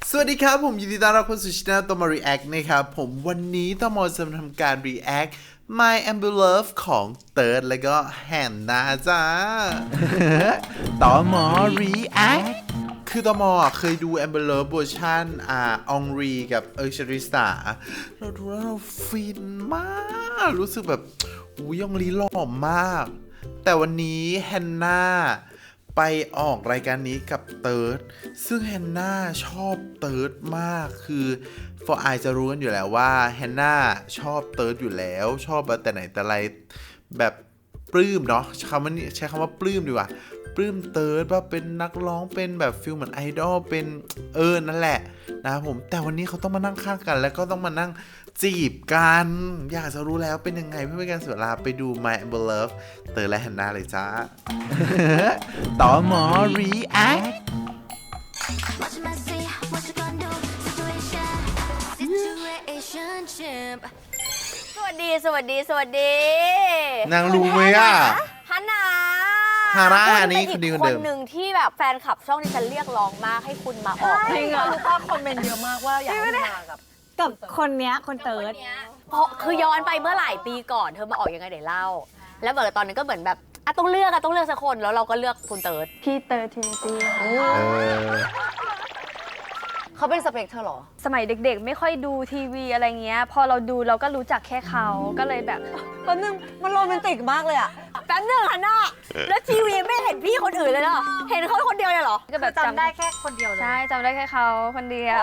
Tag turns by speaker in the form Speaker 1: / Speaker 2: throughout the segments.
Speaker 1: สวัสดีครับผมยินดีต้อนรับเข้าสู่ช่องตอมอ React นะครับผมวันนี้ตอมอจะมาทำการ React My Amber Love ของเติร์ดแล้วก็แฮนนาจ้า ตอมอ React คือตอมอเคยดู Amber Love เวอร์ชันองรีกับชริสตาเราดูแล้วเราฟินมากรู้สึกแบบยองลีหล่อมากแต่วันนี้แฮนนาไปออกรายการนี้กับเติร์ดซึ่งแฮนนาชอบเติร์ดมากคือฟอร์ไอจะรู้กันอยู่แล้วว่าแฮนนาชอบเติร์ดอยู่แล้วชอบแต่ไหนแต่ไรแบบปลื้มเนาะใช้คำว่าปลื้มดีกว่าปลื้มเติร์ดว่าเป็นนักร้องเป็นแบบฟิลเหมือนไอดอลเป็นนั่นแหละนะครับผมแต่วันนี้เขาต้องมานั่งข้างกันแล้วก็ต้องมานั่งจีบกันอยากจะรู้แล้วเป็นยังไงเพื่อเป็นการเสียเวลาไปดู My Amber Love เติร์ดและแฮนนาเลยจ้า ต่อหมอ React
Speaker 2: สวัสดี
Speaker 1: นางรู้ไหมอ่ะ
Speaker 2: ฮันนา
Speaker 1: ฮาร่า
Speaker 2: คุณ
Speaker 1: นี่
Speaker 2: เป็
Speaker 1: คนเดียว
Speaker 2: คนหนึ่งที่แบบแฟนคลับช่องที่ฉันเรียกร้องมากให้คุณมาออก
Speaker 3: จริงเหรอรู้ป่ะคอมเมนต์เยอะมากว่าอยากให้มากับคนเนี้ยคนเติร์ด
Speaker 2: เพราะคือย้อนไปเมื่อหลายปีก่อนเธอมาออกยังไงเดี๋ยวเล่า แล้วแบบตอนนั้นก็เหมือนแบบต้องเลือกสักคนแล้วเราก็เลือกคุณเติร์ด
Speaker 3: พี่เติร์ดทินิตี้
Speaker 4: เขาเป็นสเปคเธอเหรอ
Speaker 3: สมัยเด็กๆ ไม่ค่อยดูทีวีอะไรเงี้ย พอเราดูเราก็รู้จักแค่เขาก็เลยแบบ
Speaker 4: แป๊บนึงมันโรแมนติกมากเลยอะ
Speaker 2: แป๊บนึงฮันนาแล้วทีวีไม่เห็นพี่คนอื่นเลยเหรอเห็นเขาคนเดียวเลยเหรอ
Speaker 3: ก็แบบ
Speaker 4: จำได้แค่คนเดียวเลย
Speaker 3: ใช่จำได้แค่เขาคนเดียว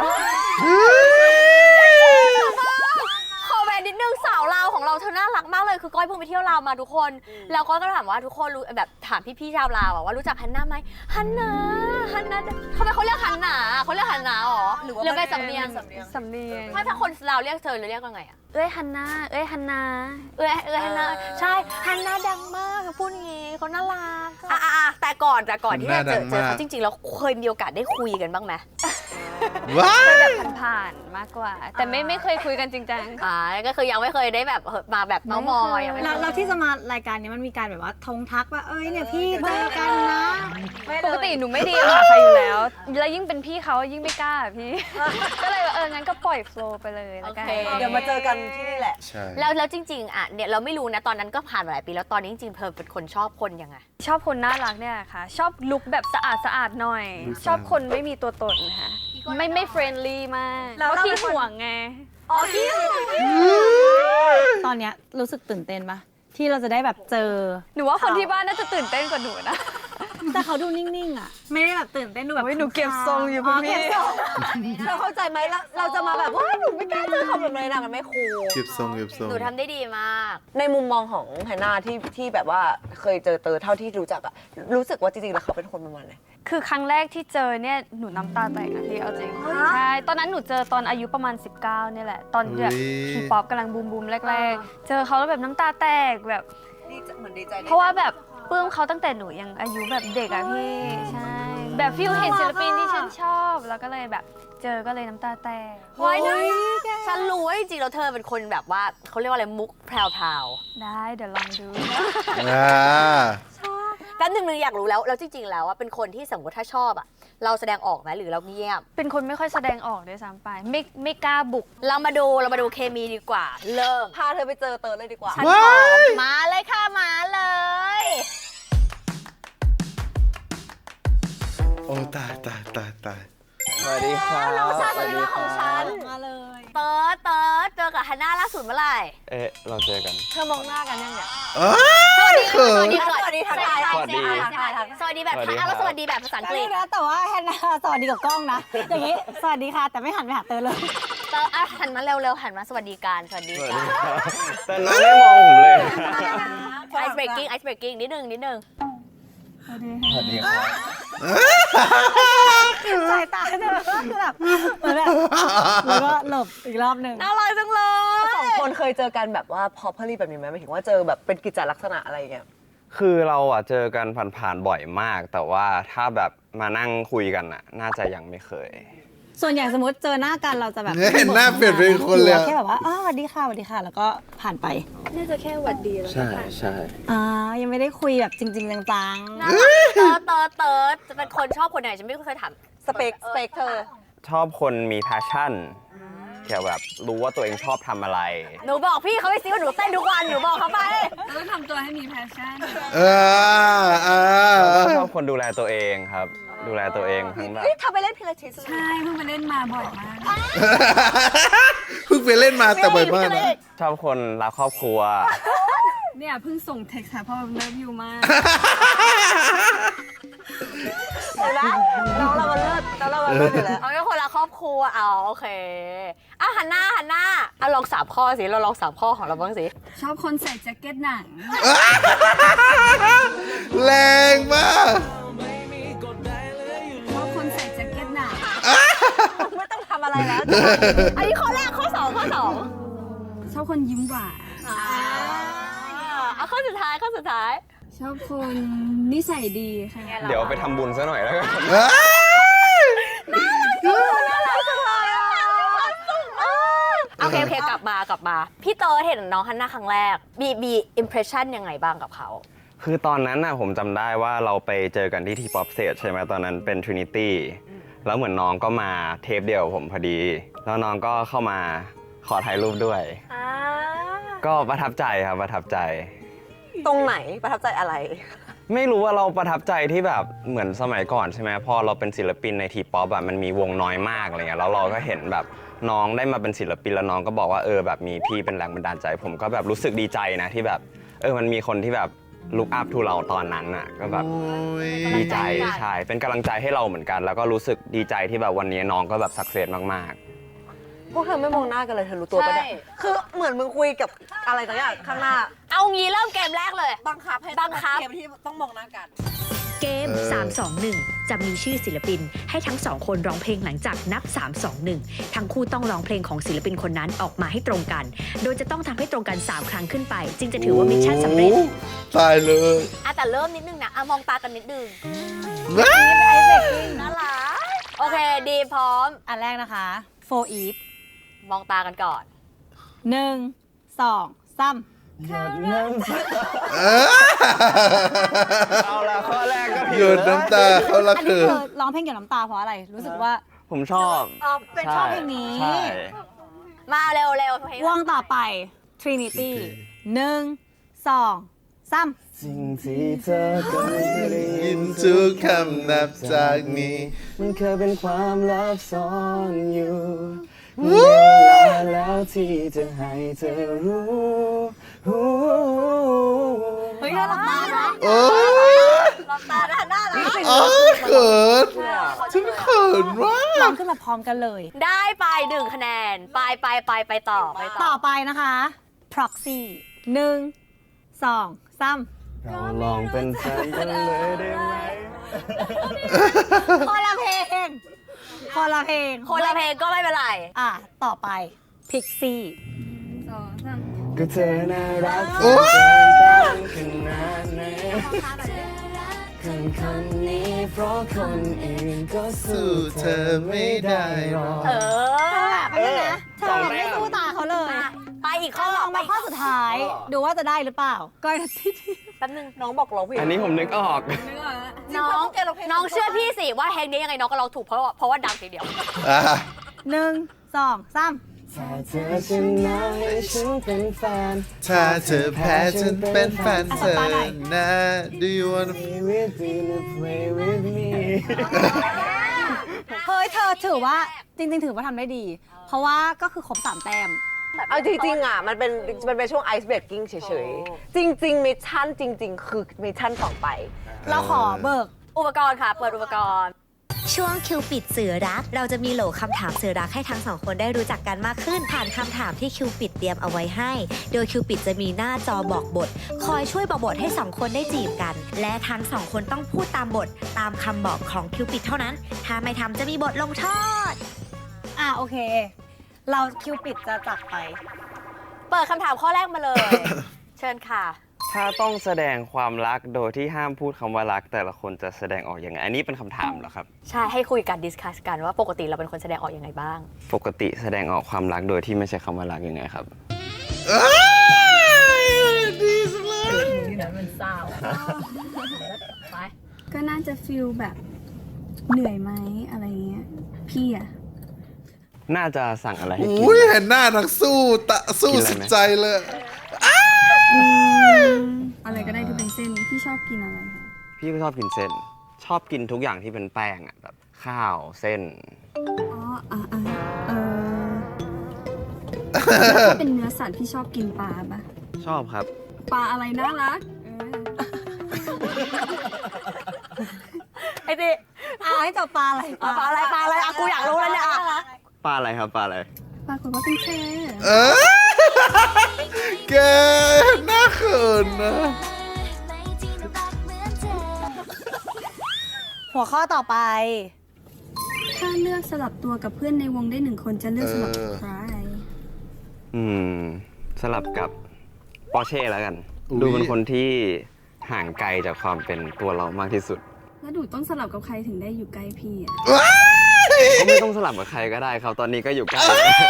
Speaker 2: ขอแหวนนิดนึงสาวลาวของเราเธอน่ารักมากเลยคือก้อยเพิ่งไปเที่ยวลาวมาทุกคนแล้วก้อยก็ถามว่าทุกคนรู้แบบถามพี่ๆชาวลาวว่ารู้จักฮันนาไหมฮันนาทำไมเขาเรียกฮันนาเขาเรียกฮันนาหรอหรือเป็นสำเนียง
Speaker 3: สำเนียง
Speaker 2: ถ้าคนลาวเรียกเธอหรือเรียกว่าไงอะ
Speaker 3: เอ้ยฮันนาเอ้ยฮันนา
Speaker 2: ฮันนาใช่ฮันนาดังมากพูดอย่างงี้เขาน่ารักแต่ก่อนที่จะเจอเขาจริงๆแล้วเคยมีโอกาสได้คุยกันบ้างไหม
Speaker 1: ว้า
Speaker 3: เคย
Speaker 1: ย
Speaker 3: แบบผ่านๆมากกว่า แต่ไม่เคยคุยกันจริงจัง
Speaker 2: ก็คือยังไม่เคยได้แบบมาแบบเมาส์มอยยังไม่เคย
Speaker 5: เราที่จะมารายการนี้มันมีการแบบว่าทงทักว่าเอ้ยเนี่ยพี่เจอกันนะ
Speaker 3: ปกติหนูไม่ดีหาใครอยู่แล้ว แล้วยิ่งเป็นพี่เขายิ่งไม่กล้าอะพี่ ก็เลยว่างั้นก็ปล่อยโฟลว์ไปเลยแล้วกัน
Speaker 4: เดี๋ยวมาเจอกันที่นี่แหละ
Speaker 1: ใช่
Speaker 2: แล้วจริงๆเนี่ยเราไม่รู้นะตอนนั้นก็ผ่านมาหลายปีแล้วตอนนี้จริงๆเธอเป็นคนชอบคนยังไง
Speaker 3: ชอบคนน่ารักเนี่ยค่ะ ชอบลุคแบบสะอาดหน่อย ชอบคนไม่มีตัวตนค่ะไม่เฟรนลี่มาก
Speaker 4: แล้ว
Speaker 3: เพราะ
Speaker 4: เรา
Speaker 3: ขี้
Speaker 4: เป็นคน
Speaker 3: ห่วงไง
Speaker 5: ตอนเนี้ยรู้สึกตื่นเต้นปะที่เราจะได้แบบเจอ
Speaker 3: หนูว่าคนที่บ้านน่าจะตื่นเต้นกว่าหนูนะ
Speaker 5: แต่เขาดูนิ่งๆอ่ะ ไม่ได้แบบตื่นเต้นดูแบบ
Speaker 3: โอ้ยหนูเก็บทรงอยู่คุณพี่
Speaker 5: เก็บทรง
Speaker 4: เราเข้าใจไหมเราจะมาแบบว่าหนูไม่กล้าเจอเขาแบบนี้นะมันไม่คูล
Speaker 1: เก็บทรง
Speaker 2: หนูทำได้ดีมาก
Speaker 4: ในมุมมองของแฮนนาที่แบบว่าเคยเจอเตอเท่าที่รู้จักอะรู้สึกว่าจริงๆแล้วเขาเป็นคนประมาณไหน
Speaker 3: คือครั้งแรกที่เจอเนี่ยหนูน้ำตาแตกนะพี่เอาจริงใช่ตอนนั้นหนูเจอตอนอายุประมาณ 19เนี่ยแหละ ตอนแบบทีป๊อปกำลังบูมแรกๆ เจอเขาแล้วแบบน้ำตาแตกแบบ
Speaker 4: เหมือนดีใจ
Speaker 3: เพราะว่าแบบปลื้มเขาตั้งแต่หนูยังอายุแบบเด็กอะพี่ใช่แบบฟิลเห็นศิลปินที่ฉันชอบแล้วก็เลยแบบเจอก็เลยน้ำตาแตก
Speaker 2: ไว้นะฉันรู้ว่าจริงๆแล้วเธอเป็นคนแบบว่าเขาเรียกว่าอะไรมุกแพรว
Speaker 3: ได้เดี๋ยวลองดู
Speaker 2: ๆแป๊บนึงอยากรู้แล้วจริงๆแล้วว่าเป็นคนที่สมมติถ้าชอบอะเราแสดงออกไหมหรือเราเงียบ
Speaker 3: เป็นคนไม่ค่อยแสดงออกด้วยซ้ำไปไม่กล้าบุก
Speaker 2: เรามาดูเคมีดีกว่า เริ่ม
Speaker 4: พาเธอไปเจอเตอเลยดีกว่า
Speaker 2: ฉันพร้อมมาเลยค่ะมาเลย
Speaker 1: โอ้ตาย
Speaker 6: สวัสดีครับ
Speaker 2: น้องชายคนรักของฉัน
Speaker 5: มาเลย
Speaker 2: เติร์ดเจอกับฮันน่าล่าสุดเมื่อไหร่
Speaker 6: เราเจอกัน
Speaker 4: เธอมองหน้ากันยังเนี่ย
Speaker 1: เขิน
Speaker 2: สวัสดี
Speaker 4: ทักทาย
Speaker 6: สวัสดี
Speaker 2: สวัสดีแบบ
Speaker 6: สวัสดี
Speaker 2: แล้ว
Speaker 6: ครับ
Speaker 2: สวัสดีแบบภาษาอังกฤษ
Speaker 5: นะแต่ว่าแฮนนาสวัสดีกับกล้องนะ อย่างนี้สวัสดีค่ะ แต่ไม่หันไปหาเตอเลย
Speaker 2: เติร์ดหันมาเร็วหันมาสวัสดีการสวัสดี
Speaker 6: สวัส
Speaker 2: กา
Speaker 6: ดี
Speaker 2: ร
Speaker 6: ครับแต่น้องไม่มองผมเลย
Speaker 2: ไอซ์เบรกกิ้งนิดนึง
Speaker 6: สวัสดีครับ
Speaker 5: สายตาเธอก็คือแบบเหมือนแบบแล้วก็หลบอีกรอบหนึ่ง
Speaker 2: น่ารักจังเลย
Speaker 4: สองคนเคยเจอกันแบบว่าพอพลีแบบนี้ไหมหมายถึงว่าเจอแบบเป็นกิจลักษณะอะไรอย่างเงี้ย
Speaker 6: คือเราเจอกันผ่านๆบ่อยมาก แต่ว่าถ้าแบบมานั่งคุยกันน่าจะยังไม่เคย
Speaker 5: ส่วนใหญ่สมมติเจอหน้ากันเราจะแบบ
Speaker 1: เนี่ยเห็นหน้าเปลี่ยนเป็นคนเลยอะ
Speaker 5: แค่แบบว่าสวัสดีค่ะสวัสดีค่ะ แล้วก็ผ่านไป
Speaker 3: น่าจะแค่หวัดดีแล้ว
Speaker 6: ใช่ใช่
Speaker 5: ยังไม่ได้คุยแบบจริง ๆจัง
Speaker 2: น่ารักเติร์ดจะเป็นคนชอบคนไหนฉันไม่เคยถาม
Speaker 4: สเปคเธอ
Speaker 6: ชอบคนมี passion เกี่ยวแบบรู้ว่าตัวเองชอบทำอะไร
Speaker 2: หนูบอกพี่เขาไปซิว่าหนูเต้นทุกวันหนูบอกเขาไป
Speaker 3: ต้องทำตัวให้มีแพชชั่น
Speaker 6: แล้วก็ชอบคนดูแลตัวเองครับ ดูแลตัวเองทั้งแบบ
Speaker 4: เฮ้ยเธอไปเล่นพิลาทิส
Speaker 3: ใช่เพิ่งไปเล่นมาบ่อยมาก
Speaker 1: เพิ่งไปเล่นมาแต่บ่อยมากนะ
Speaker 6: ชอบคนรักครอบครัว
Speaker 3: เนี่ยเพิ่งส่งเท็กซ์หาพ่อแบบเลิฟยูมาก
Speaker 4: เห็นไหมน้องเรามันเลิศอยู่แล้ว
Speaker 2: เอาแค่คนละครอบครัวเอาโอเคอ่ะหันหน้าเอาลอง3 ข้อสิเราลอง3 ข้อของเราบ้างสิ
Speaker 3: ชอบคนใส่แจ็คเก็ตหนัง
Speaker 1: แรงมาก
Speaker 3: ชอบคนใส่แจ็คเก็ตหนัง
Speaker 4: ไม่ต้องทำอะไรแล้ว
Speaker 2: อันนี้ข้อแรกข้อ2ข้อ2
Speaker 3: ชอบคนยิ้มหวาน
Speaker 2: เอาข้อสุดท้าย
Speaker 3: ชอบคนนิสัยดีค่ะ
Speaker 6: เดี๋ยวไปทำบุญซะหน่อยแล้วกัน
Speaker 2: โอเคกลับมาพี่เต๋อเห็นน้องฮันน่าครั้งแรกมีอิมเพรสชั่นยังไงบ้างกับเขา
Speaker 6: คือตอนนั้นน่ะผมจำได้ว่าเราไปเจอกันที่ทีป๊อปเซตใช่ไหมตอนนั้นเป็น Trinity แล้วเหมือนน้องก็มาเทปเดียวกับผมพอดี แล้วน้องก็เข้ามาขอถ่ายรูปด้วย ก็ประทับใจครับประทับใจ
Speaker 4: ตรงไหนประทับใจอะไร
Speaker 6: ไม่รู้ว่าเราประทับใจที่แบบเหมือนสมัยก่อนใช่ไหมพอเราเป็นศิลปินในทีป๊อปแบบมันมีวงน้อยมากอะไรเงี้ยแล้วเราก็เห็นแบบน้องได้มาเป็นศิลปินแล้วน้องก็บอกว่าแบบมีพี่เป็นแรงบันดาลใจ ผมก็แบบรู้สึกดีใจนะที่แบบมันมีคนที่แบบลุกอัพทูเราตอนนั้นน่ะก็แบบดีใจใช่เป็นกำลังใจให้เราเหมือนกัน แล้วก็รู้สึกดีใจที่แบบวันนี้น้องก็แบบสักเซสมากๆ
Speaker 4: พวกเธอไม่มองหน้ากันเลยเธอรู้ตัวปะเนี่ยคือเหมือนมึงคุยกับอะไรต่างอย่างข้างหน้า
Speaker 2: เอางี้เริ่มเกมแรกเลย
Speaker 4: บังคับให้
Speaker 2: บังคับ
Speaker 4: เกมที่ต้องมองหน้ากัน
Speaker 7: เกม 321 จะมีชื่อศิลปินให้ทั้งสองคนร้องเพลงหลังจากนับ 321 ทั้งคู่ต้องร้องเพลงของศิลปินคนนั้นออกมาให้ตรงกัน โดยจะต้องทำให้ตรงกัน 3 ครั้งขึ้นไป จึงจะถือว่ามิชชั่นสำเร็จ
Speaker 1: ตายเลย
Speaker 2: แต่เริ่มนิดนึงนะมองตากันนิดนึง
Speaker 1: ว้า
Speaker 2: น่ารักโอเคดีพร้อม
Speaker 5: อันแรกนะคะ for eat
Speaker 2: มองตากันก่อน
Speaker 5: 1 2 3
Speaker 6: เอาละข้อแรกก็
Speaker 1: หยุดน้ำตาเขาละ
Speaker 5: อัน
Speaker 1: คื
Speaker 5: นี้
Speaker 1: อ
Speaker 5: เธอร้องเพลงเกี่ยวกับน้ำตาเพราะอะไร รู้สึกว่า
Speaker 6: ผมชอบ
Speaker 5: เป็นชอบเพลงนี้
Speaker 6: ใช่
Speaker 2: มาเร็วเพลง
Speaker 5: วงต่อไป Trinity 1 2 3
Speaker 6: สิ่งที่เธอก็ไม่ได้
Speaker 1: ยินทุกคำนับจากนี้
Speaker 6: มันเคยเป็นความลับซ่อนอยู่เวลาแล้วที่จะให้เธอรู้
Speaker 5: เฮ้ยน่ารักมากนะ
Speaker 1: โอ้ย
Speaker 2: มองตาน่ารัก
Speaker 1: โอ้ยเขินฉันเขินว่า
Speaker 5: ร้องขึ้นมาพร้อมกันเลย
Speaker 2: ได้ไป1 คะแนนไปต่อ
Speaker 5: ต่อไปนะคะ proxy 1 2 3
Speaker 6: เราลองเป็นแฟนกันเลยได้ไหม
Speaker 5: คนละเพลง
Speaker 2: คนละเพลงก็ไม่เป็นไร
Speaker 5: ต่อไป Pixie
Speaker 6: ก็เธอน่ารัก
Speaker 1: โอ้ย
Speaker 6: ขนาดไหนคนนี้เพราะคนอื่นก็สู้
Speaker 1: สู้เธอไม่ได้หรอก
Speaker 5: ไปเลยนะเธอไม่สู้ตาเขาเลย
Speaker 2: ไปอีกข้อ
Speaker 5: ลองมาข้อสุดท้าย ดูว่าจะได้หรือเปล่าก้อยนาที
Speaker 2: แป๊บนึง
Speaker 4: น้องบอกร้องเพลง
Speaker 6: อันนี้ผมนึกออก
Speaker 2: น้องเชื่อพี่สิว่าเพลงนี้ยังไงน้องก็ร้องถูกเพราะว่าดังทีเดียว
Speaker 1: อ่ะ
Speaker 5: 1 2 3
Speaker 6: ถ้าเธอชนะให้ฉันเป็นแฟน
Speaker 1: ถ้าเธอแพ้ฉันเป็นแฟนเธอนะ Do you wanna
Speaker 6: Play with you and play with me
Speaker 5: เฮ้ยเธอถือว่าจริงๆถือว่าทำได้ดี เพราะว่าก็คือครบ3 แต้ม
Speaker 4: เอาจริงๆอ่ะมันเป็นช่วงไอซ์เบรกกิ้งเฉยๆ จริงๆมิชชั่นจริง ๆ คือมิชชั่นต่อไป
Speaker 5: เราขอเบิก
Speaker 2: อุปกรณ์ค่ะ เปิดอุปกรณ์
Speaker 7: ช่วงคิวปิดสื่อรัก เราจะมีโหลคำถามสื่อรักให้ทั้งสองคนได้รู้จักกันมากขึ้น ผ่านคำถามที่คิวปิดเตรียมเอาไว้ให้ โดยคิวปิดจะมีหน้าจอบอกบท คอยช่วยบอกบทให้สองคนได้จีบกัน และทั้งสองคนต้องพูดตามบทตามคำบอกของคิวปิดเท่านั้น ถ้าไม่ทำจะมีบทลงโทษ
Speaker 5: โอเค เราคิวปิดจะจับไป
Speaker 2: เปิดคำถามข้อแรกมาเลย เชิญค่ะ
Speaker 6: ถ้าต้องแสดงความรักโดยที่ห้ามพูดคำว่ารัก แต่ละคนจะแสดงออกยังไง อันนี้เป็นคำถามเหรอครับ
Speaker 2: ใช่ให้คุยกันดิสคัสกันว่าปกติเราเป็นคนแสดงออกยังไงบ้าง
Speaker 6: ปกติแสดงออกความรักโดยที่ไม่ใช่คำว่ารักยังไงครับ
Speaker 1: ดีสุดเลย
Speaker 3: ก็น่าจะฟีลแบบเหนื่อยไหมอะไรเงี้ย พี่อะ
Speaker 6: น่าจะสั่งอะไรให้กิน
Speaker 1: อุ้ยเห็นหน้านักสู้สู้
Speaker 6: กินอะไร
Speaker 1: สุด
Speaker 6: ไหม
Speaker 1: ใจเลย
Speaker 3: อะไรก็ได้ที่เป็นเส้นพี่ชอบกินอะไรคะ
Speaker 6: พี่ก็ชอบกินเส้น ชอบกินทุกอย่างที่เป็นแป้งอ่ะแบบข้าวเส้น
Speaker 3: อ๋อถ้าเป็นเนื้อสัตว์พี่ชอบกินปลาปะ
Speaker 6: ชอบครับ
Speaker 3: ปลาอะไรน่ารัก
Speaker 2: ไอ้ติ
Speaker 5: ให้ตอบปลาอะไร
Speaker 2: ปลาอะไรอ่ะกูอยากรู้แล้วเนี่ยอ่ะ
Speaker 6: ปลาอะไรครับปลาอะไร
Speaker 3: ปรากฏว่าเป็นแค่
Speaker 1: เออแกน่าเขินนะ
Speaker 5: หัวข้อต่อไป
Speaker 3: ถ้าเลือกสลับตัวกับเพื่อนในวงได้1 คนจะเลือกสลับกับใคร
Speaker 6: สลับกับปอร์เช่แล้วกัน
Speaker 1: อุ๊ย
Speaker 6: ดูเป็นคนที่ห่างไกลจากความเป็นตัวเรามากที่สุด
Speaker 3: แล้วหนูต้องสลับกับใครถึงได้อยู่ใกล้พี่อ่ะ
Speaker 1: ว้าย
Speaker 6: ก็ไม่ต้องสลับกับใครก็ได้ครับ ตอนนี้ก็อยู่ใกล้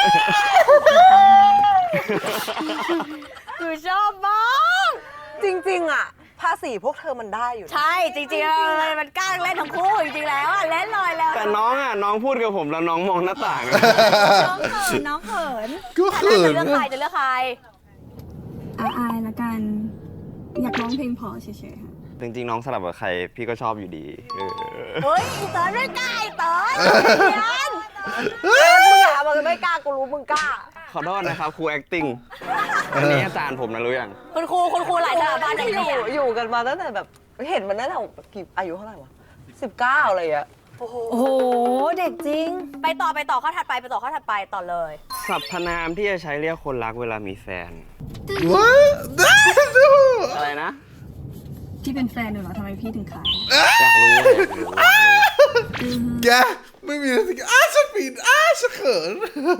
Speaker 2: กูชอบมาก
Speaker 4: จริงๆอ่ะภาษีพวกเธอมันได้อยู่นะ
Speaker 2: ใช่จริงๆเลยมันกล้าเล่นทั้งคู่จริงๆแล้วอ่ะเล่นลอยแล้ว
Speaker 6: แต่น้องพูดกับผมแล้วน้องมองหน้าต่าง
Speaker 5: น้องเขิน
Speaker 1: ก็เขิน
Speaker 2: จะเลือกใครจะเลือกใคร
Speaker 3: อายละกัน อยากร้องเพลงเพอเฉยๆค่ะ
Speaker 6: จริงๆน้องสลับกับใครพี่ก็ชอบอยู่ดี
Speaker 2: เฮ้ยอีเต๋อไม่กล้าไอ้เต๋อเนียน
Speaker 4: มึงอะมึงไม่กล้ากูรู้มึงกล้า
Speaker 6: ขอโทษนะครับครู acting อันนี้อาจารย์ผมนะรู้ยัง
Speaker 2: คุณครูหลายสถาบันอย่าง
Speaker 4: อยู่
Speaker 2: นี้
Speaker 4: อยู่กันมาตั้งแต่แบบเห็นมันตั้งแต่กี่อายุเท่าไหร่วะ19อะไรอ่ะ
Speaker 2: โอ้โห
Speaker 5: โอ้โห เด็กจริง
Speaker 2: ไปต่อข้อถัดไปต่อเลย
Speaker 6: สรรพนามที่จะใช้เรียกคนรักเวลามีแฟน
Speaker 1: ว้ายได้ดู
Speaker 6: อะไรนะ
Speaker 3: พี่เป็นแฟนหนูเหรอทำไมพี่ถึงขาย
Speaker 6: อยากรู้
Speaker 1: แกไม่มีอะไรที่ฉันผิดฉันเขิน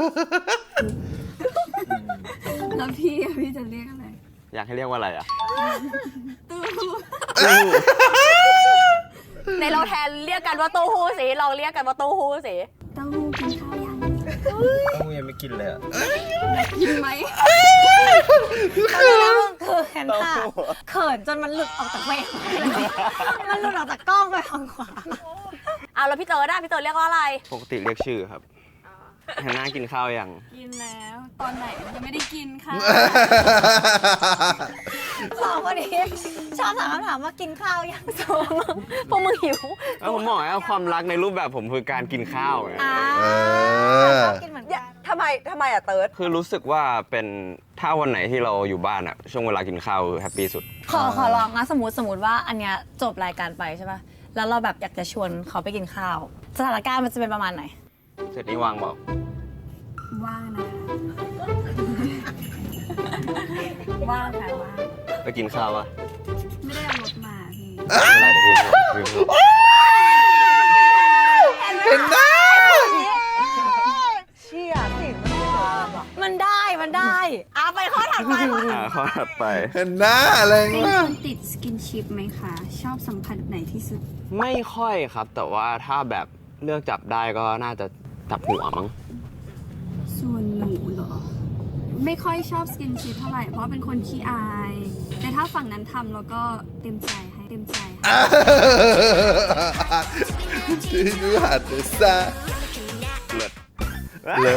Speaker 3: แล้วพี่อะพี่จะเรียกอะไร
Speaker 6: อยากให้เรียกว่าอะไรอ่ะ
Speaker 2: ในเราแทนเรียกกันว่าเตู้ฮู้สิลองเรียกกันว่าเตู้ฮู้สิ
Speaker 3: เต้าหู้กินข้าวยัง
Speaker 6: กูยังไม่กินเลยอ่ะ
Speaker 3: กินไหม
Speaker 5: เขินค่ะเขินจนมันหลุดออกจากเวรมันหลุดออกจากกล้องไปทางขวา
Speaker 2: เอาแล้วพี่เต๋อได้พี่เต๋อเรียกว่าอะไร
Speaker 6: ปกติเรียกชื่อครับแฮนน่ากินข้าวยัง
Speaker 3: กินแล้ว ตอนไหนยังไม่ได้กินค่ะ
Speaker 5: สองคนนี้ชอบถามคำถามว่ากินข้าวยัง
Speaker 2: พวกมึงหิว
Speaker 6: แล้วผมบอกว่าความรักในรูปแบบผมคือการกินข้าวไง
Speaker 5: ชอบกินเหมือนกัน
Speaker 4: ทำไมอ่ะเติร์ด
Speaker 6: คือรู้สึกว่าเป็นถ้าวันไหนที่เราอยู่บ้านอ่ะช่วงเวลากินข้าวแฮปปี้สุด
Speaker 5: ขอลองนะสมมติว่าอันเนี้ยจบรายการไปใช่ป่ะ แล้วเราแบบอยากจะชวนเขาไปกินข้าว สถานการณ์มันจะเป็นประมาณไหน
Speaker 6: เสร็จนี้วางบอก
Speaker 3: ว่างนะคะ
Speaker 5: ว่างค่ะว่าง
Speaker 6: ไปกินข้าวปะ
Speaker 3: ไม่ได้เอารถมาพี่
Speaker 6: ไม่เป็นไรเดี๋ยวพี่พูด
Speaker 1: เห็นหน้า
Speaker 4: เชี่ยสิมัน
Speaker 5: มันได้
Speaker 2: เอาไปข้อถัดไป
Speaker 6: ข้อถัดไป
Speaker 1: เห็นหน้าอะไร
Speaker 3: เป็น
Speaker 1: วะ
Speaker 3: คนติดสกินชิปไหมคะ ชอบสัมผัสไหนที่สุด
Speaker 6: ไม่ค่อยครับ แต่ว่าถ้าแบบเลือกจับได้ก็น่าจะจับหัวมั้ง
Speaker 3: ส่วนหนูเหรอ ไม่ค่อยชอบสกินชิปเท่าไหร่ เพราะเป็นคนขี้อาย แต่ถ้าฝั่งนั้นทำแล้วก็เต็มใจให้
Speaker 1: ที่ดูหัดซะ
Speaker 6: เลิศ
Speaker 1: เลย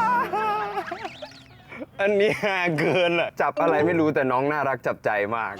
Speaker 6: อันนี้ฮาเกินอ่ะ จับอะไรไม่รู้แต่น้องน่ารักจับใจมาก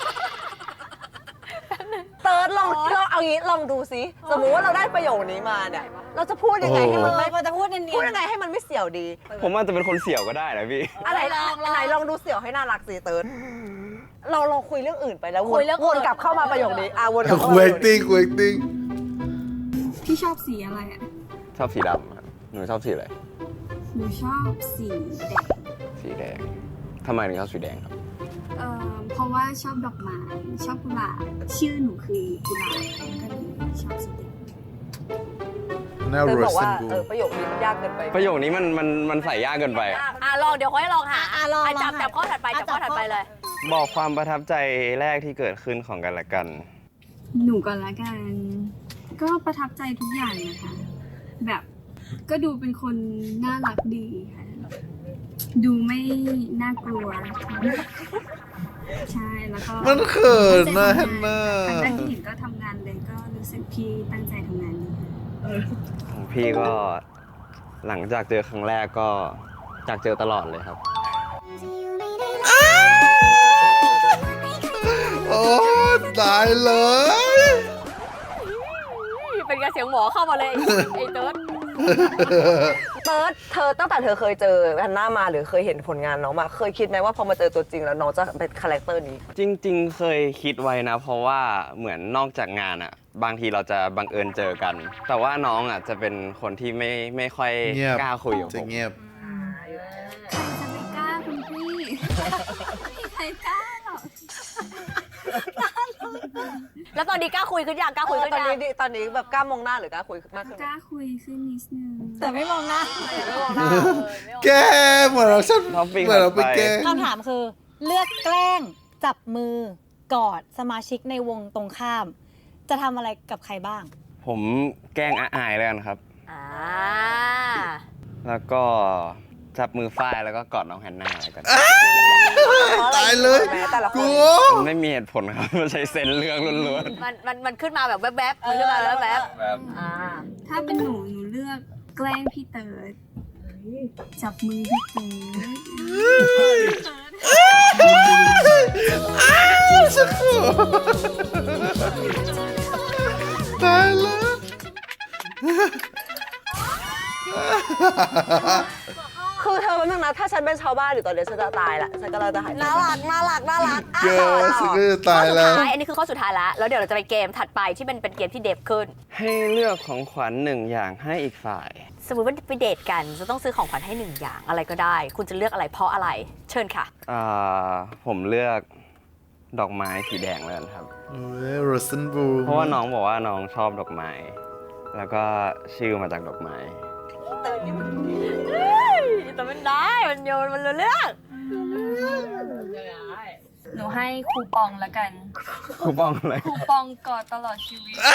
Speaker 4: เติร์ดลองเอางี้ลองดูซิสมมุติว่าเราได้ประโยคนี้มาเนี่ยเราจะพูดยังไงให้มันไม่
Speaker 5: เราจะพูดเนีย
Speaker 4: พูด
Speaker 5: น
Speaker 4: ยังไงให้มันไม่เสี่ยวดี
Speaker 6: ผมอาจจะเป็นคนเสี่ยวก็ได้นะพี่
Speaker 4: อะไรไหนลองดูเสี่ยวให้น่ารักสิเติร์ดเราลองคุยเรื่องอื่นไปแล้ว
Speaker 2: คุยเรื่องอื่น
Speaker 4: วนกลับเข้ามาประโยคนี้วนกลับเข้า
Speaker 1: คุ
Speaker 4: มาย
Speaker 1: ติ้งคุยติ้ง
Speaker 3: พี่ชอบสีอะไรอ่ะ
Speaker 6: ชอบสีดำครับหนูชอบสีอะไร
Speaker 3: หนูชอบสีแดง
Speaker 6: สีแดงทำไมถึงชอบสีแดงครับ
Speaker 3: เพราะว่าชอบดอกไม้ ชอบกุหลาบ ชื่อหนูคือกุหลาบก็เลยชอบสีแดง
Speaker 1: หน้า
Speaker 4: เติร์ด
Speaker 1: โร
Speaker 4: บอก
Speaker 1: สั
Speaker 4: ว่าน
Speaker 1: บู
Speaker 4: ประโยคนี้มันยากเกินไป
Speaker 6: ประโยคนี้มันใส่ยากเกินไปอะ
Speaker 2: ลองเดี๋ยวค่อยลองหา
Speaker 5: ลอง
Speaker 2: จับข้อถัดไปจับข้อถัดไปเลย
Speaker 6: บอกความประทับใจแรกที่เกิดขึ้นของกันและกัน
Speaker 3: หนูก่อนละกัน ก็ประทับใจทุกอย่างนะคะ แบบก็ดูเป็นคนน่ารักดีค่ะ ดูไม่น่ากลัว ใช่ แล้วก็
Speaker 1: มันเขินนะเห็นหน้า
Speaker 3: ครั้งแรกที่เห็นก็ทำงานเลยก็รู้สึกพี่ตั้งใจทำงานดีค่ะ
Speaker 6: ของพี่ก็หลังจากเจอครั้งแรกก็อยากเจอตลอดเลยครับ
Speaker 1: โอ้ตายเลย
Speaker 2: เป็นการเสียงหมอเข้ามาเลยไอ้เติร์ด
Speaker 4: เติร์ดเธอตั้งแต่เธอเคยเจอฮันน่ามาหรือเคยเห็นผลงานน้องมาเคยคิดไหมว่าพอมาเจอตัวจริงแล้วน้องจะเป็นคาแรคเตอร์นี้
Speaker 6: จริงๆ เคยคิดไว้นะ เพราะว่าเหมือนนอกจากงานอะบางทีเราจะบังเอิญเจอกัน แต่ว่าน้องอะจะเป็นคนที่ไม่ค่อย
Speaker 1: เงียบ
Speaker 6: กล้าคุยกับ
Speaker 1: จะ
Speaker 6: ผม
Speaker 1: เงียบ
Speaker 3: ใครจะไม่กล้าคุณพี่ไม่มีใครกล้าหรอก
Speaker 2: แล้วตอนนี้กล้าคุยขึ้นยังกล้าคุยขึ้น
Speaker 4: ตอน
Speaker 2: ยัง
Speaker 4: นี้ตอนนี้แบบกล้ามองหน้าหรือกล้าคุยมากขึ้น
Speaker 3: กล้าคุยขึ้นนิดนึง
Speaker 5: แต่ไม่มองหน้า
Speaker 1: แกเหมือนเราฉัน
Speaker 6: ท็อปปิ้ง
Speaker 1: เหมือนเราไปแกล้ง
Speaker 5: คำถามคือ เลือกแกล้งจับมือกอดสมาชิกในวงตรงข้าม จะทำอะไรกับใครบ้าง
Speaker 6: ผมแกล้งอายแล้วกันครับ
Speaker 2: อ่า
Speaker 6: แล้วก็จับมือฝ้ายแล้วก็กอดน้องแฮนนาอะไรกัน
Speaker 1: ตายเลย
Speaker 4: แต่ละค
Speaker 1: กู
Speaker 4: น
Speaker 6: มันไม่มีเหตุผลครับ มันใช้เซนส์เรื่องล้วน
Speaker 2: มันขึ้นมาแบบแวบๆมันขึ้นมาแล้วแวบ
Speaker 6: ๆแบบ
Speaker 2: ๆอ่า
Speaker 3: ถ้าเป็นหนูเลือกแกล้งพี่เติร์ดจับมือพี่เติร์ด
Speaker 1: สักครู่ตายแล้ว
Speaker 4: คือเธอเป็นนึงนะถ้าฉันเป็นชาวบ้านอยู่ตอนนี้ฉันจะตายละฉันก็เลยจะหายใจ
Speaker 2: น่ารักน่ารักน่ารักอ่ะ
Speaker 1: เกอร์ฉันก็จะตาย
Speaker 2: ข้อสุด
Speaker 1: แล้ว
Speaker 2: ท้ายอันนี้คือข้อสุดท้ายละแล้วเดี๋ยวเราจะไปเกมถัดไปที่เป็นเกมที่เดฟขึ้น
Speaker 6: ให้เลือกของขวัญหนึ่งอย่างให้อีกฝ่าย
Speaker 2: สมมติว่าไปเดทกันจะต้องซื้อของขวัญให้หนึ่งอย่างอะไรก็ได้ คุณจะเลือกอะไรเพราะอะไร เชิญค่ะ
Speaker 6: ผมเลือกดอกไม้สีแดงแล้วกันครับ
Speaker 1: โรสันบู
Speaker 6: เพราะว่าน้องบอกว่าน้องชอบดอกไม้ แล้วก็ชื่อมาจากดอกไม้
Speaker 2: แต่มันได้มันโยนมันเลือก
Speaker 3: หนูให้คูปองละกัน
Speaker 6: คูปองอะไร
Speaker 3: คูปองกอดตลอดชีวิต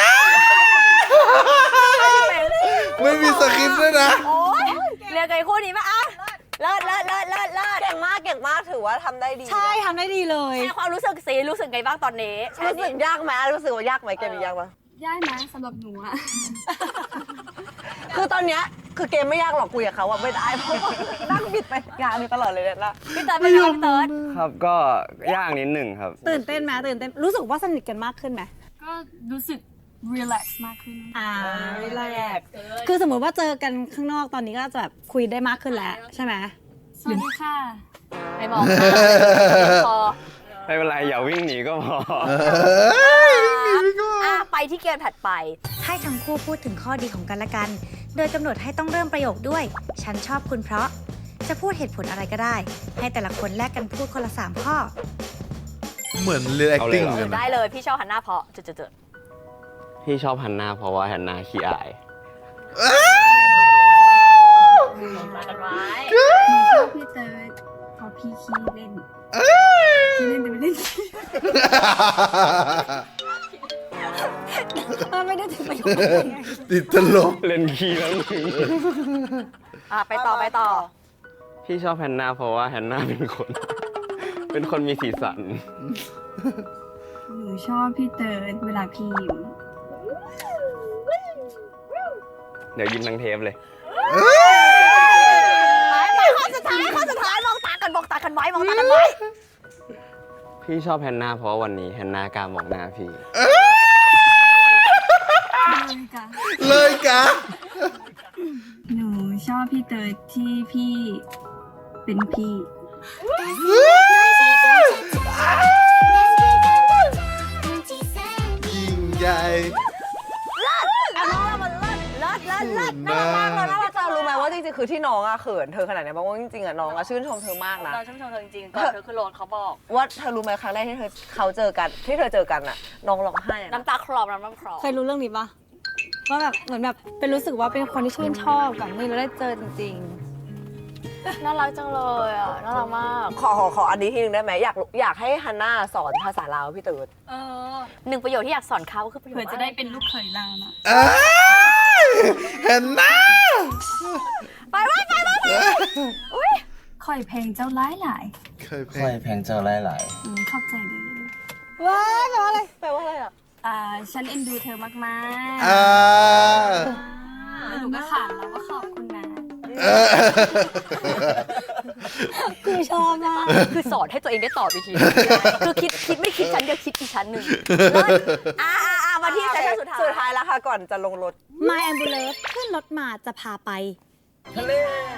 Speaker 1: ไม่มีสคริปต์ด้วยนะ
Speaker 2: โอ้ยเรียกไอ้คู่นี้มาอ่ะเลิศ
Speaker 4: เก่งมากถือว่าทำได้ดี
Speaker 5: ใช่ทำได้ดีเลย
Speaker 2: แค่ความรู้สึกสิรู้สึกไงบ้างตอนนี้
Speaker 4: รู้สึกยากไหมรู้สึกว่ายากไหมเกมนี้ยากปะ
Speaker 3: ยากนะสำหรับหนูอะ
Speaker 4: คือตอนเนี้ยคือเกมไม่ยากหรอกคุยกับเขาอะไม่ได้เพราะว่านั่งบิดไปงานอยู่ตลอดเลยเนี่ยละ
Speaker 2: พี่เติร์ดเป็นไงพี่เติร์ด
Speaker 6: ครับก็ยากนิดหนึ่งครับ
Speaker 5: ตื่นเต้นไหมตื่นเต้นรู้สึกว่าสนิทกันมากขึ้นไหม
Speaker 3: ก็รู้สึกรีแลกซ์มากขึ้น
Speaker 5: แรกคือสมมติว่าเจอกันข้างนอกตอนนี้ก็จะแบบคุยได้มากขึ้นแล้วใช่ไหม
Speaker 3: สวัสดีค่ะ
Speaker 2: ไม่มองพอ
Speaker 6: ไม่เป็นไรอย่าวิ่งหนีก็พอ
Speaker 2: อ่ะไปที่เกมถัดไป
Speaker 7: ให้ทั้งคู่พูดถึงข้อดีของกันและกัน โดยกำหนดให้ต้องเริ่มประโยคด้วย ฉันชอบคุณเพราะ จะพูดเหตุผลอะไรก็ได้ ให้แต่ละคนแลกกันพูดคนละ 3 ข้อ
Speaker 1: เหมือนเรียน acting
Speaker 6: เอาเลยเหรอ
Speaker 1: เหมือนกัน
Speaker 2: ได้
Speaker 1: นะ
Speaker 2: เลยพี่ชอบฮันน่าเพราะจุด
Speaker 6: พี่ชอบฮันนาเพราะว่าฮันนาขี้อาย
Speaker 2: มากันไว้
Speaker 3: หนูชอบพี่เติร์ดเพราะพี่ขี้เล่นขี้เล่นแต่ไม่เล่นขี้
Speaker 5: มันไม่ได้ถึงประโยคนั้นไง
Speaker 1: ติดตลก
Speaker 6: เล่นขี้แล้วมึง
Speaker 2: ไปต่อ
Speaker 6: พี่ชอบฮันนาเพราะว่าฮันนาเป็นคน เป็นคนมีสีสัน
Speaker 3: หนูชอบพี่เติร์ดเวลาพี่ยิ้ม
Speaker 6: เดี๋ยวยิ้มทั้งเทปเลย
Speaker 2: ไปข้อสุดท้ายมองตากันไว้
Speaker 6: พี่ชอบแฮนนาเพราะวันนี้แฮนนากล้ามองหน้าพี่
Speaker 3: เลยค่ะ
Speaker 1: เลยกะ
Speaker 3: หนูชอบพี่เติร์ดที่พี่เป็นพี่
Speaker 1: ยิ่งใหญ่
Speaker 2: เลิศน่ารักมากเลยน่ารัก
Speaker 4: เธอรู้ไหมว่าจริงๆคือที่น้องอะเขินเธอขนาดนี้เพราะว่าจริงๆอะน้องอะชื่นชมเธอมากนะ
Speaker 2: เราชื่นชมเธอจริงๆก่อนเธอคือโรนเขาบอก
Speaker 4: ว่าเธอรู้ไหมครั้งแรกที่เขาเจอกันที่เธอเจอกันอะน้องร้องไห้อะนะ
Speaker 2: น้ำตาคลอน้ำคลอ
Speaker 5: เคยรู้เรื่องนี้ปะว่าแบบเหมือนแบบเป็นรู้สึกว่าเป็นคนที่ชื่นชอบกับนี่เราได้เจอจริง
Speaker 2: น่ารักจังเลยอ่ะน่ารักมาก
Speaker 4: ขออันนี้ทีนึงได้ไหมอยากให้ฮันน่าสอนภาษาลาวพี่ตื่น
Speaker 2: หนึ่งประโยชน์ที่อยากสอนเขาก็คือประโยช
Speaker 3: เผื่อ
Speaker 2: น์
Speaker 3: จะได้เป็นลูกเขยเรานะ
Speaker 1: เห็นหน้า
Speaker 2: ไปอุ้ย
Speaker 3: คอยเพลงเจ้าร้ายหลาย
Speaker 1: เคยเพล
Speaker 6: ค่อย
Speaker 1: ง
Speaker 6: แพงเจอหลาย
Speaker 3: ขอบใจเลย
Speaker 5: ๆว้ายแปลว่าอะไร
Speaker 4: แปลว่าอะไรอะ
Speaker 3: ฉันเอ็นดูเธอมาก
Speaker 1: อ่า
Speaker 3: ๆแล้วหนูก็ขานแล้วว่าขอบคุณนะ
Speaker 5: คือชอบมาก
Speaker 2: คือสอนให้ตัวเองได้ตอบอีกทีคือคิดไม่คิดชั้นเดียวคิดอีกชั้นหนึ่งเลิศมาที่เซสชั่นสุดท้าย
Speaker 4: แล้วค่ะก่อนจะลงรถ
Speaker 5: My Ambulance ขึ้นรถมาจะพาไป
Speaker 6: ทะเล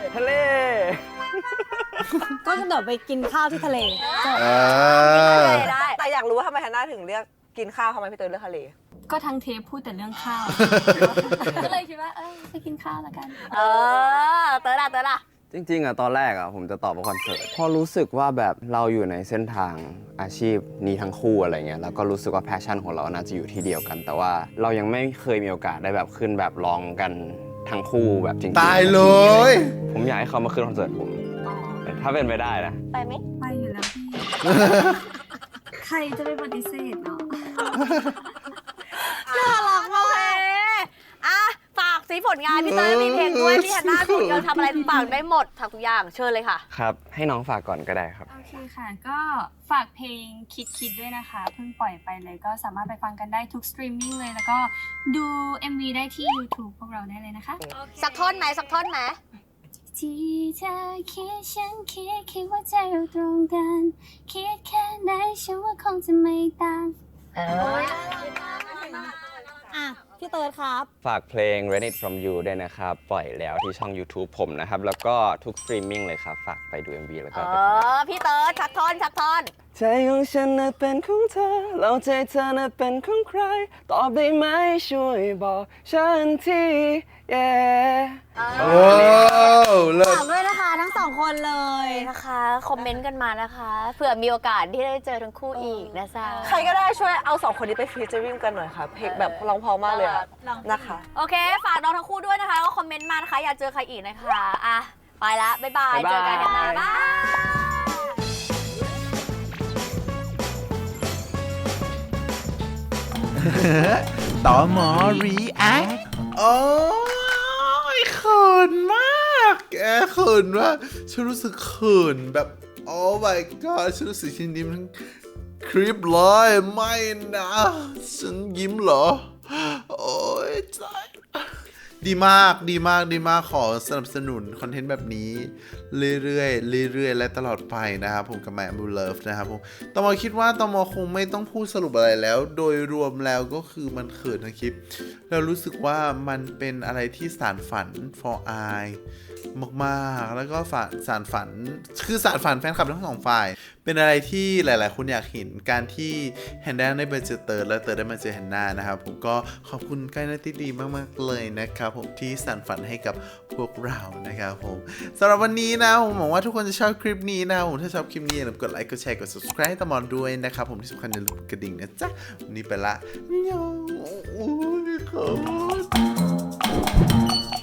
Speaker 5: ก็กระโดดไปกินข้าวที่ทะเลจบ
Speaker 2: ได้
Speaker 4: แต่อยากรู้ว่าทำไมฮันน่าถึงเรียกกินข้าวทำไมพี่เตยเลือกทะเล
Speaker 3: ก็ทั้งเทปพูดแต่เรื่องข้าว ก็เลยคิดว่าไปกินข้าวแล้วกัน
Speaker 2: เตอร์ล่ะ
Speaker 6: จริงๆตอนแรกผมจะตอบว่าคอนเสิร์ตพอรู้สึกว่าแบบเราอยู่ในเส้นทางอาชีพนี้ทั้งคู่อะไรเงี้ยแล้วก็รู้สึกว่าแพชชั่นของเราน่าจะอยู่ที่เดียวกัน แต่ว่าเรายังไม่เคยมีโอกาสได้แบบขึ้นแบบร้องกันทั้งคู่แบบจริงๆ
Speaker 1: ตายเลย
Speaker 6: ผมอยากให้เขามาขึ้นคอนเสิร์ตผมถ้าเป็นไปได้นะ
Speaker 2: ไปไหม
Speaker 3: ไปอยู่แล้วพี่ ใครจะไปปฏิเสธเนาะ
Speaker 2: น่ารักมากฝากสีผลงานพี่เตยมีเพลงด้วยพี่แฮนนาผลงานทำอะไรฝากได้หมดทุกอย่างเชิญเลยค่ะ
Speaker 6: ครับให้น้องฝากก่อนก็ได้ครับ
Speaker 3: โอเคค่ะ ก็ฝากเพลงคิดด้วยนะคะ เพิ่งปล่อยไปเลยก็สามารถไปฟังกันได้ทุกสตรีมมิ่งเลย แล้วก็ดู MV ได้ที่ YouTube พวกเราได้เลยนะคะ
Speaker 2: สักท่อนไหม
Speaker 3: ที่เธอคิดฉันคิดว่าใจเราตรงกัน คิดแค่ไหนฉันว่าคงจะไม่ต่าง
Speaker 5: อ่ะ พี่เติร์ดครับ
Speaker 6: ฝากเพลง Rent It From You ด้วยนะครับ ปล่อยแล้วที่ช่อง YouTube ผมนะครับ แล้วก็ทุกสตรีมมิ่งเลยครับ ฝากไปดู MV แล้วก็ไปฟัง
Speaker 2: พี่เติร์ดสักท่อน
Speaker 6: ใจของฉันน่ะเป็นของเธอแล้วใจเธอน่ะเป็นของใคร ตอบได้ไหมช่วยบอกฉันที yeah
Speaker 1: โอ้เลิศ
Speaker 5: ฝากด้วยนะคะทั้งสองคนเลย
Speaker 2: นะคะ คอมเมนต์กันมานะคะเผื่อมีโอกาสที่ได้เจอทั้งคู่อีกนะจ๊ะ
Speaker 4: ใครก็ได้ช่วยเอา2คนนี้ไปฟีเจอริ่งกันหน่อยค่ะเพลงแบบร้องเพอมากเลยอะนะคะ
Speaker 2: โอเค ฝากน้องทั้งคู่ด้วยนะคะแล้วก็คอมเมนต์มานะคะ อยากเจอใครอีกนะคะไปละบ๊ายบาย
Speaker 6: บ๊ายบาย
Speaker 2: เจอกันนะบ๊ายบาย
Speaker 1: ต่อหมอ react โอ้ยเขินมากแกเขินมากฉันรู้สึกเขินแบบโอ้ my god ฉันรู้สึกฉันยิ้มทั้งคลิปเลยไม่นะฉันยิ้มเหรอ โอ้ยใจดีมากขอสนับสนุนคอนเทนต์แบบนี้เรื่อยๆและตลอดไปนะครับผมกับ My Ambu Love นะครับผมตมคิดว่าตมคงไม่ต้องพูดสรุปอะไรแล้ว โดยรวมแล้วก็คือมันเขินทั้งคลิปเรารู้สึกว่ามันเป็นอะไรที่สานฝัน for I มากๆแล้วก็สานฝันแฟนคลับทั้งสองฝ่ายเป็นอะไรที่หลายๆคนอยากเห็นการที่แฮนด้าได้มาเจอเติร์ดและเติร์ดได้มาเจอแฮนนานะครับผมก็ขอบคุณใกล้นาที่ดีมากๆเลยนะครับผมที่สานฝันให้กับพวกเรานะครับผมสำหรับวันนี้นะผมหวังว่าทุกคนจะชอบคลิปนี้นะครับผมถ้าชอบคลิปนี้อย่าลืมกดไลค์กดแชร์กด subscribe ให้ตมอนด้วยนะครับผมที่สำคัญอย่าลืมกระดิ่งนะจ๊ะวันนี้ไปละยองโอ้ยขอบคุณ